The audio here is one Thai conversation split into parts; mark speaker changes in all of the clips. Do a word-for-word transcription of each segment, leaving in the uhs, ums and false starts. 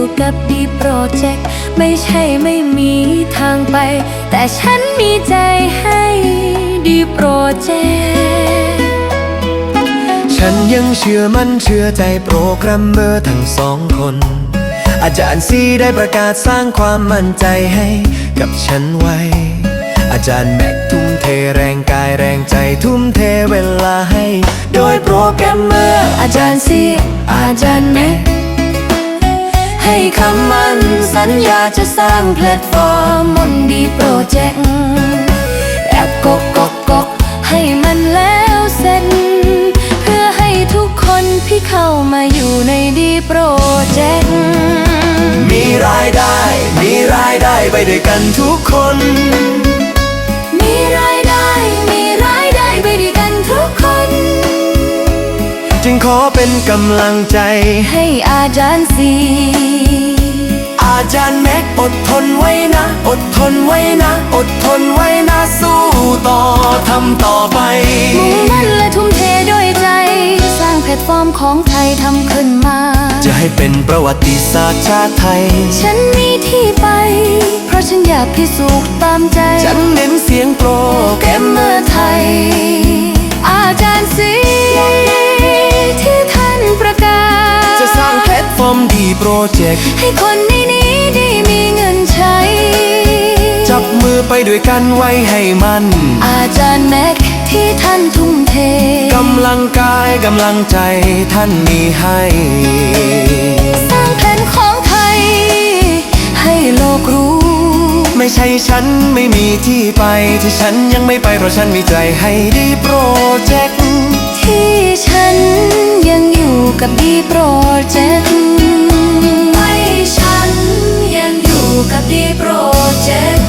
Speaker 1: กับดีโปรเจกต์ไม่ใช่ไม่มีทางไปแต่ฉันมีใจให้ดีโปรเจกต์
Speaker 2: ฉันยังเชื่อมั่นเชื่อใจโปรแกรมเมอร์ทั้งสองคนอาจารย์ซีได้ประกาศสร้างความมั่นใจให้กับฉันไว้อาจารย์แม็กทุ่มเทแรงกายแรงใจทุ่มเทเวลาให้โดยโปรแกรมเมอร์
Speaker 1: อาจารย์ซีอาจารย์แม็กให้คำมั่นสัญญาจะสร้างแพลตฟอร์มมนดีโปรเจกต์แอปกกกกกให้มันแล้วเสร็จเพื่อให้ทุกคนที่เข้ามาอยู่ในดีโปรเจกต์
Speaker 2: มีรายได้มีรายได้ไปด้วยกันทุกคน
Speaker 1: มีรายได้มีรายได้ไปด้วยกันทุกคน
Speaker 2: จึงขอเป็นกำลังใจ
Speaker 1: ให้อาจารย์ซี
Speaker 2: อาจารย์แม็กอดทนไว้นะอดทนไว้นะอดทนไว้นะสู้ต่อทำต่อไป
Speaker 1: มุ่งมั่นและทุ่มเทด้วยใจสร้างแพลตฟอร์มของไทยทำขึ้นมา
Speaker 2: จะให้เป็นประวัติศาสตร์ชาติไทย
Speaker 1: ฉันมีที่ไปเพราะฉันอยากพิสูจน์ตามใจ
Speaker 2: ฉันเน้นเสียงโปร
Speaker 1: แกรมเมอร์ไทยอาจารย์ซีที่ท่านประกาศ
Speaker 2: จะสร้างแพลตฟอร์มดีโปรเจกต์
Speaker 1: ให้คนในนี้ได้มีเงินใช้
Speaker 2: จับมือไปด้วยกันไว้ให้มัน
Speaker 1: อาจารย์แม็กที่ท่านทุ่มเท
Speaker 2: กำลังกายกำลังใจท่านมีให้
Speaker 1: สร้างแผนของไทยให้โลกรู้
Speaker 2: ไม่ใช่ฉันไม่มีที่ไปที่ฉันยังไม่ไปเพราะฉันมีใจให้ดีโปรเจกต์
Speaker 1: ที่ฉันยังอยู่กับดีโปรเจกต์ให้ฉันยังอยู่กับดีโปรเจกต์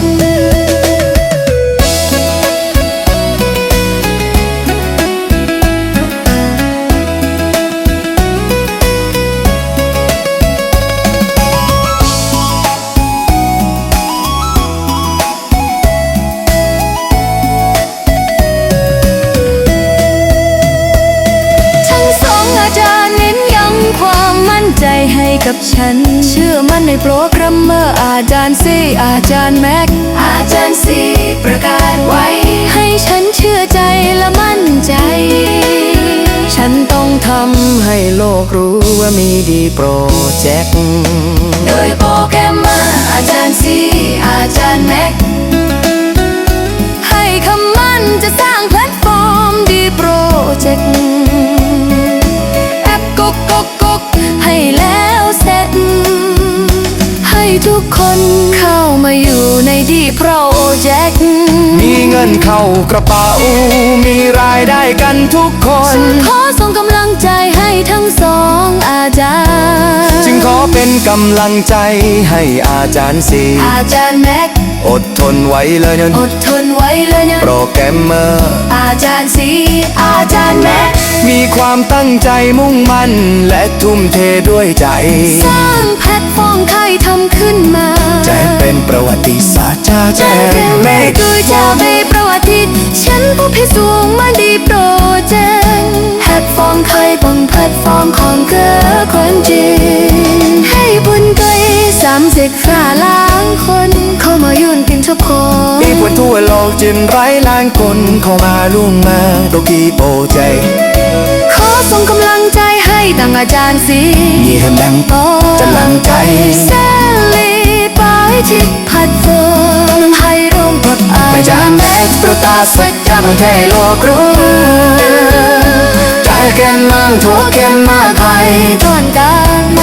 Speaker 1: ใจให้กับฉันเชื่อมั่นในโปรแกรมเมอร์อาจารย์ซีอาจารย์แม็กอาจารย์ซีประกาศไว้ให้ฉันเชื่อใจและมั่นใจฉันต้องทำให้โลกรู้ว่ามีดีโปรเจกต์โดยโปรแกรมเมอร์อาจารย์ซีอาจารย์แม็กให้คำมั่นจะสร้างแพลตฟอร์มดีโปรเจกต์แอปกกกกกให้แล้วเสร็จให้ทุกคนเข้ามาอยู่ในดีโปรเจกต์
Speaker 2: มีเงินเข้ากระเป๋ามีรายได้กันทุกคน
Speaker 1: ขอส่งกำลังใจให้ทั้งสองอาจารย์
Speaker 2: จึงขอเป็นกำลังใจให้อาจารย์ซี
Speaker 1: อาจารย์แม็ก
Speaker 2: อดทนไว้เลยนะ
Speaker 1: อดทนไว้เลยนะ
Speaker 2: โปรแกรมเมอร์
Speaker 1: อาจารย์ซีอาจารย์แม็ก
Speaker 2: มีความตั้งใจมุ่งมั่นและทุ่มเทด้วยใจ
Speaker 1: สร้างแพลตฟอร์มไทยทำขึ้นมา
Speaker 2: จะเป็นประวัติศาสตร์ชาติ
Speaker 1: แม่คือจะไม่ประวัติฉันผู้พิสูจน์มาดีโปรเจกต์แพลตฟอร์มไทยบนแพลตฟอร์มของเกิดคนจีนให้บุญเกยสามสิบห้าล้านคนเข้ามายุ่นกินทุกคน
Speaker 2: มีคนทั่วโลกจินไร้ล้านคนเข้ามาล่วงมาโดยกีโปรเจกต์
Speaker 1: ขอส่งกำลังใจให้ตั้งอาจารย์ซี
Speaker 2: ยี่ห้อแบงค์จะลังใจ
Speaker 1: เซลีไปที่แพลตฟอร์มให้ร่วมกับอา
Speaker 2: จารย์แม็กประกาศสัจจะมันให้โลกรู้ใจแก่นมั่งทั่วแก่นมาไทย
Speaker 1: ต้นการโป